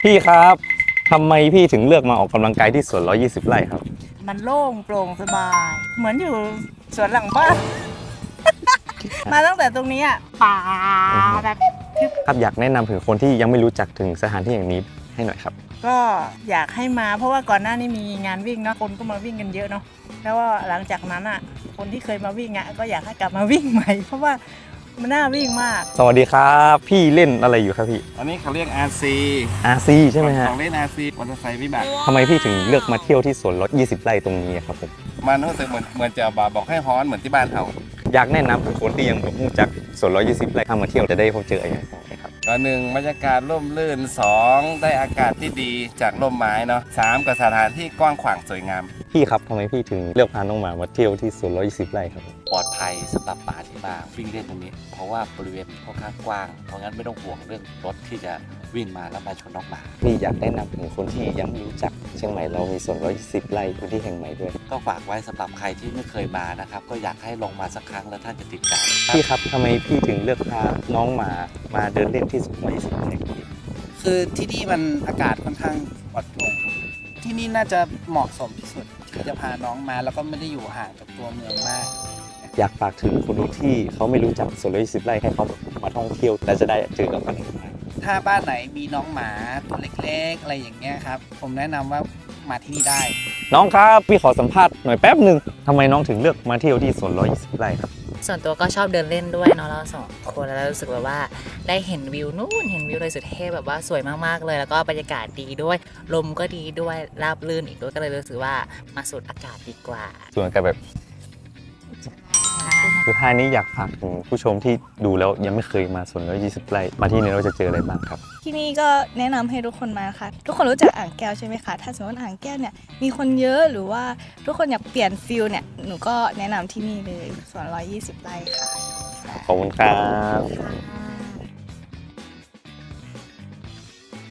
พี่ครับทำไมพี่ถึงเลือกมาออกกำลังกายที่สวน120 ไร่ครับมันโล่งโปร่งสบาย เหมือนอยู่สวนหลังบ้าน มาตั้งแต่ตรงนี้อ่ะป่าแบบทึบครับอยากแนะนำถึงคนที่ยังไม่รู้จักถึงสถานที่อย่างนี้ให้หน่อยครับก็อยากให้มาเพราะว่าก่อนหน้านี้มีงานวิ่งเนาะคนก็มาวิ่งกันเยอะเนาะแล้วว่าหลังจากนั้นอ่ะคนที่เคยมาวิ่งอ่ะก็อยากให้กลับมาวิ่งใหม่ เพราะว่ามันน่าวิ่งมากสวัสดีครับพี่เล่นอะไรอยู่ครับพี่อันนี้เขาเรียก RC RC ใช่ไหมฮะของเล่น RC มอเตอร์ไซค์วิบากทำไมพี่ถึงเลือกมาเที่ยวที่สวน120 ไร่ตรงนี้ครับผมมันรู้สึกเหมือนจะบอกให้ฮ้อนเหมือนที่บ้านเขาอยากแนะนำถึงคนที่ยังไม่รู้จักสวน120 ไร่ถ้ามาเที่ยวจะได้พบเจออะไรอย่างไรครับก็หนึ่งบรรยากาศร่มรื่น2ได้อากาศที่ดีจากร่มไม้เนาะ3กับสถานที่กว้างขวางสวยงามพี่ครับทำไมพี่ถึงเลือกพาน้องหมาเที่ยวที่สวน120 ไร่ครับปลอดภัยสำหรับป่าที่มาวิ่งเล่นตรงนี้ เพราะว่าบริเวณค่อนข้างกว้าง เพราะงั้นไม่ต้องห่วงเรื่องรถที่จะวิ่งมาแล้วมาชนน้องหมาพี่อยากแนะนำถึงคนที่ยังไม่รู้จักเชียงใหม่เรามีสวน120 ไร่พื้นที่แห่งใหม่ด้วยก็ฝากไว้สำหรับใครที่ไม่เคยมานะครับ ก็อยากให้ลองมาสักครั้งแล้วท่านจะติดใจพี่ครับทำไมพี่ถึงเลือกพาน้องหมาเดินเล่นที่สวน120 ไร่ครับพี่คือที่นี่มันอากาศค่อนข้างปลอดโปร่งที่นี่น่าจะเหมาะสมที่สุดที่จะพาน้องมาแล้วก็ไม่ได้อยู่ห่างจากตัวเมืองมากอยากฝากถึงคนที่เขาไม่รู้จักสวน120 ไร่ให้เขามาท่องเที่ยวและจะได้เจอกับมันถ้าบ้านไหนมีน้องหมาตัวเล็กๆอะไรอย่างเงี้ยครับผมแนะนำว่ามาที่นี่ได้น้องครับพี่ขอสัมภาษณ์หน่อยแป๊บหนึ่งทำไมน้องถึงเลือกมาเที่ยวที่สวน120 ไร่ครับส่วนตัวก็ชอบเดินเล่นด้วยเนาะเราสองคนแล้วรู้สึกแบบว่าได้เห็นวิวนู่นเห็นวิวเลยสุดเทพแบบว่าสวยมากๆเลย แล้วก็บรรยากาศดีด้วยลมก็ดีด้วยราบรื่นอีกด้วยก็เลยรู้สึกว่ามาสูดอากาศดีกว่าส่วนกันแบบสุดท้ายนี้อยากฝากถึงผู้ชมที่ดูแล้วยังไม่เคยมาสวน120 ไร่มาที่นี่เราจะเจออะไรบ้างครับที่นี่ก็แนะนำให้ทุกคนมาค่ะ ทุกคนรู้จักอ่างแก้วใช่ไหมคะ ถ้าสมมติอ่างแก้วเนี่ยมีคนเยอะหรือว่าทุกคนอยากเปลี่ยนฟิลเนี่ยหนูก็แนะนำที่นี่เลยส่วน120 ไร่ค่ะขอบคุณครับ